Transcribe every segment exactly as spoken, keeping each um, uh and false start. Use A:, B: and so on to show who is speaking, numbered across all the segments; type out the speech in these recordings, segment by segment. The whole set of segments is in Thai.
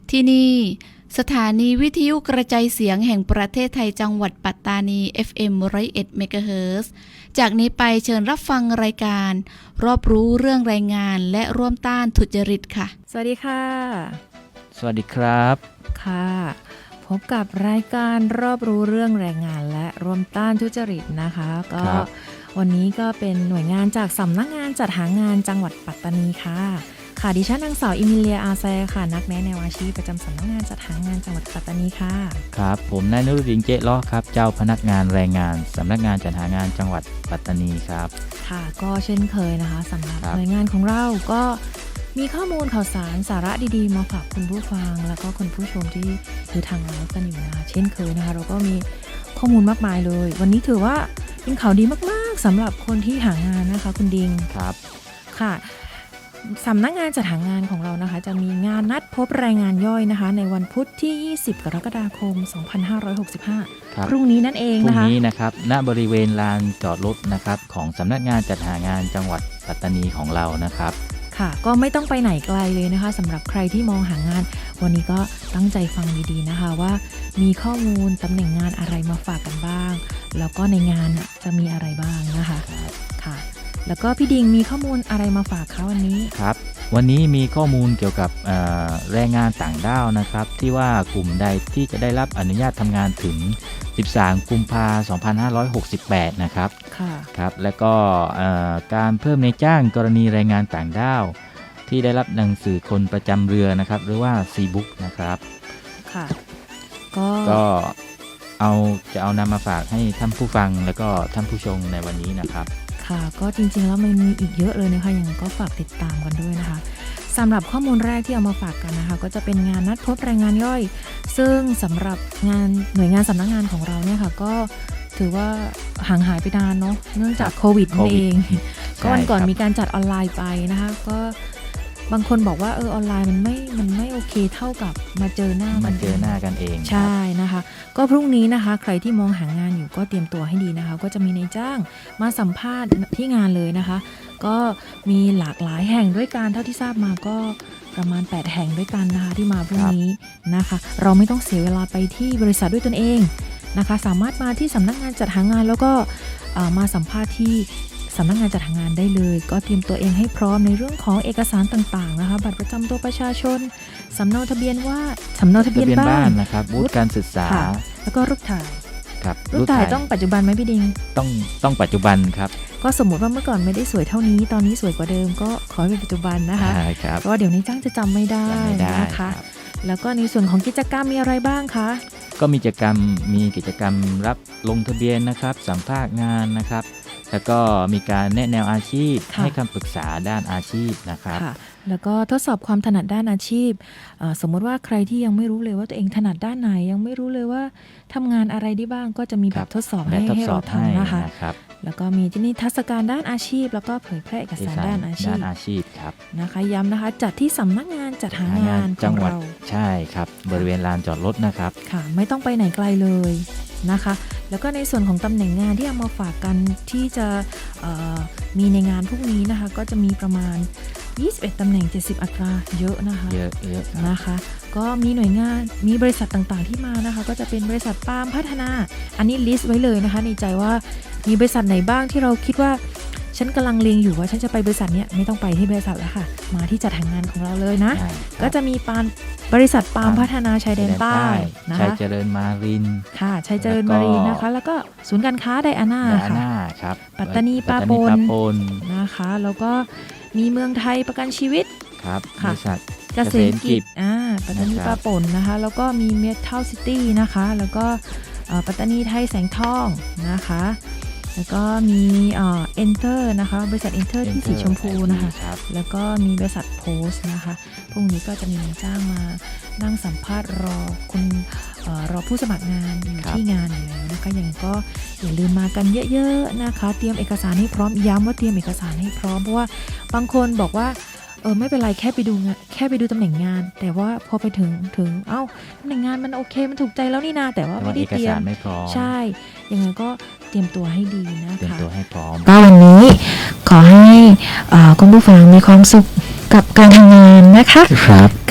A: ที่นี่สถานีวิทยุกระจายเสียงแห่งประเทศไทยจังหวัดปัตตานี เอฟ เอ็ม หนึ่งศูนย์เอ็ด เมกะเฮิรตซ์ จากนี้ไปเชิญรับฟังรายการรอบรู้เรื่องแรงงานและร่วมต้านทุจริตค่ะ
B: สวัสดีค่ะ
C: สวัสดีครับ
B: ค่ะพบกับรายการรอบรู้เรื่องแรงงานและร่วมต้านทุจริตนะคะก็วันนี้ก็เป็นหน่วยงานจากสำนักงานจัดหางานจังหวัดปัตตานีค่ะค่ะดิฉันนางสาวอิมิเลียอาแซค่ะนักแนะแนวอาชีพประจำสำนักงานจัดหางานจังหวัดปัตตานีค่ะ
C: ครับผมนายนุรุดินเจล้อครับเจ้าพนักงานแรงงานสำนักงานจัดหางานจังหวัดปัตตานีครับ
B: ค่ะก็เช่นเคยนะคะสำหรับหน่วยงานของเราก็มีข้อมูลข่าวสารสาระดีๆมาฝากคุณผู้ฟังแล้วก็คุณผู้ชมที่ดูทางไลฟ์กันอยู่นะคะเช่นเคยนะคะเราก็มีข้อมูลมากมายเลยวันนี้ถือว่าเป็นข่าวดีมากๆสำหรับคนที่หางานนะคะคุณดิง
C: ครับ
B: ค่ะสำนักงานจัดหางานของเรานะคะจะมีงานนัดพบแรงงานย่อยนะคะในวันพุธที่ยี่สิบกรกฎาคมสองพันห้าร้อยหกสิบห้าพรุ่งนี้นั่นเองนะคะ
C: พรุ่งนี้นะครับณบริเวณลานจอดรถนะครับของสำนักงานจัดหางานจังหวัดปัตตานีของเรานะครับ
B: ค่ะก็ไม่ต้องไปไหนไกลเลยนะคะสำหรับใครที่มองหางานวันนี้ก็ตั้งใจฟังดีๆนะคะว่ามีข้อมูลตำแหน่งงานอะไรมาฝากกันบ้างแล้วก็ในงานจะมีอะไรบ้างนะคะค่ะแล้วก็พี่ดิงมีข้อมูลอะไรมาฝากเขาวันนี้
C: ครับวันนี้มีข้อมูลเกี่ยวกับแรงงานต่างด้าวนะครับที่ว่ากลุ่มใดที่จะได้รับอนุญาตทำงานถึงสิบสามกุมภาพันธ์สองพันห้าร้อยหกสิบแปดนะครับ
B: ค่ะ
C: ครับแล้วก็การเพิ่มในจ้างกรณีแรงงานต่างด้าวที่ได้รับหนังสือคนประจำเรือนะครับหรือว่า ซี บุ๊ก นะครับ
B: ค่ะก็
C: ก็เอาจะเอานำมาฝากให้ท่านผู้ฟังแล้วก็ท่านผู้ชมในวันนี้นะครับ
B: ค่ะก็จริงๆแล้วมันมีอีกเยอะเลยนะคะยังไงก็ฝากติดตามกันด้วยนะคะสำหรับข้อมูลแรกที่เอามาฝากกันนะคะก็จะเป็นงานนัดพบแรงงานย่อยซึ่งสำหรับงานหน่วยงานสำนักงานของเราเนี่ยค่ะก็ถือว่าห่างหายไปนานเนาะเนื่องจากโควิดนั่นเองก็วันก่อนมีการจัดออนไลน์ไปนะคะก็บางคนบอกว่าเออออนไลน์มันไม่มันไม่โอเคเท่ากับมาเจอหน้า
C: มันเจอหน้ากันเอง
B: ใช่นะคะก็พรุ่งนี้นะคะใครที่มองหางานอยู่ก็เตรียมตัวให้ดีนะคะก็จะมีนายจ้างมาสัมภาษณ์ที่งานเลยนะคะก็มีหลากหลายแห่งด้วยกันเท่าที่ทราบมาก็ประมาณแปดแห่งด้วยกันนะคะที่มาพรุ่งนี้นะคะเราไม่ต้องเสียเวลาไปที่บริษัทด้วยตนเองนะคะสามารถมาที่สำนักงานจัดหางานแล้วก็มาสัมภาษณ์ที่สำนักงานจัดหางานได้เลยก็เตรียมตัวเองให้พร้อมในเรื่องของเอกสารต่างๆนะคะบัตรประจำตัวประชาชนสำเนาทะเบียนว่าสำเนาทะเบียนบ้าน
C: นะครับวุฒิการศึกษา
B: แล้วก็รูปถ่าย
C: ครับ
B: รูปถ่ายต้องปัจจุบันไหมพี่ดิง
C: ต้องต้องปัจจุบันครับ
B: ก็สมมติว่าเมื่อก่อนไม่ได้สวยเท่านี้ตอนนี้สวยกว่าเดิมก็ขอให้เป็นปัจจุบันนะคะเพราะว่าเดี๋ยวนี้จ้างจะจำไม่ได้นะคะแล้วก็ในส่วนของกิจกรรมมีอะไรบ้างคะ
C: ก็มีกิจกรรมมีกิจกรรมรับลงทะเบียนนะครับสัมภาษณ์งานนะครับแล้วก็มีการแนะแนวอาชีพให้คำปรึกษาด้านอาชีพนะครับ
B: แล้วก็ทดสอบความถนัดด้านอาชีพสมมติว่าใครที่ยังไม่รู้เลยว่าตัวเองถนัดด้านไหนยังไม่รู้เลยว่าทำงานอะไรได้บ้างก็จะมีแบบทดสอบให้ให้เราทำนะคะแล้วก็มีที่นี่ทัศการด้านอาชีพแล้วก็เผยแพร่เอกสารด้านอาชีพ
C: ด้านอาชีพครับ
B: นะคะย้ำนะคะจัดที่สำนักงานจัดหางาน
C: จังหวัดใช่ครับบริเวณลานจอดรถนะครับ
B: ค่ะไม่ต้องไปไหนไกลเลยนะคะแล้วก็ในส่วนของตำแหน่งงานที่เอามาฝากกันที่จะมีในงานพวกนี้นะคะก็จะมีประมาณยี่สิบเอ็ดตำแหน่งเจ็ดสิบอัตราเยอะนะคะ
C: เยอะเยอะ
B: นะคะก็มีหน่วยงานมีบริษัทต่างๆที่มานะคะก็จะเป็นบริษัทปาล์มพัฒนาอันนี้ลิสต์ไว้เลยนะคะในใจว่ามีบริษัทไหนบ้างที่เราคิดว่าฉันกำลังเล็งอยู่ว่าฉันจะไปบริษัทเนี้ยไม่ต้องไปที่บริษัทแล้วค่ะมาที่จัดหางานของเราเลยนะก็จะมีปาล์มบริษัทปาล์มพัฒนาชายแดนใต้นะคะ
C: ชัยเจริญมาริน
B: ค่ะชัยเจริญมารินนะคะแล้วก็ศูนย์การค้าไดอาน่า
C: ค่ะ
B: ปัตตานีปาปนนะคะแล้วก็มีเมืองไทยประกันชีวิต
C: ครับบริษัท
B: เกษตรกิจอ่าปัตตานีปาปนนะคะแล้วก็มีเมทัลซิตี้นะคะแล้วก็ปัตตานีไทยแสงทองนะคะแล้วก็มีเอ่อ Enter นะคะบริษัท Enter ที่สีชมพูนะคะแล้วก็มีบริษัท Post นะคะพรุ่งนี้ก็จะมีนายจ้างมานั่งสัมภาษณ์รอคุณเอ่อรอผู้สมัครงานอยู่ที่งานอยู่แล้วนะคะอย่างก็อย่าลืมมากันเยอะๆนะคะเตรียมเอกสารให้พร้อมย้ำว่าเตรียมเอกสารให้พร้อมเพราะว่าบางคนบอกว่าเออไม่เป็นไรแค่ไปดูงานแค่ไปดูตำแหน่งงานแต่ว่าพอไปถึงถึงเอ้าตำแหน่งงานมันโอเคมันถูกใจแล้วนี่นาแต่ว่าไม่ได้เตรียมใช่ยังไงก็เตรียมตัวให้ดีนะคะ
C: เตรียมตัวให้พร้อม
B: ก็วันนี้ขอให้คุณผู้ฟังมีความสุขกับการทำงานนะคะ
C: ครับ
B: ค่ะ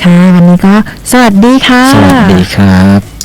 B: ค่ะวันนี้ก็สวัสดีค่ะ
C: สวัสดีครับ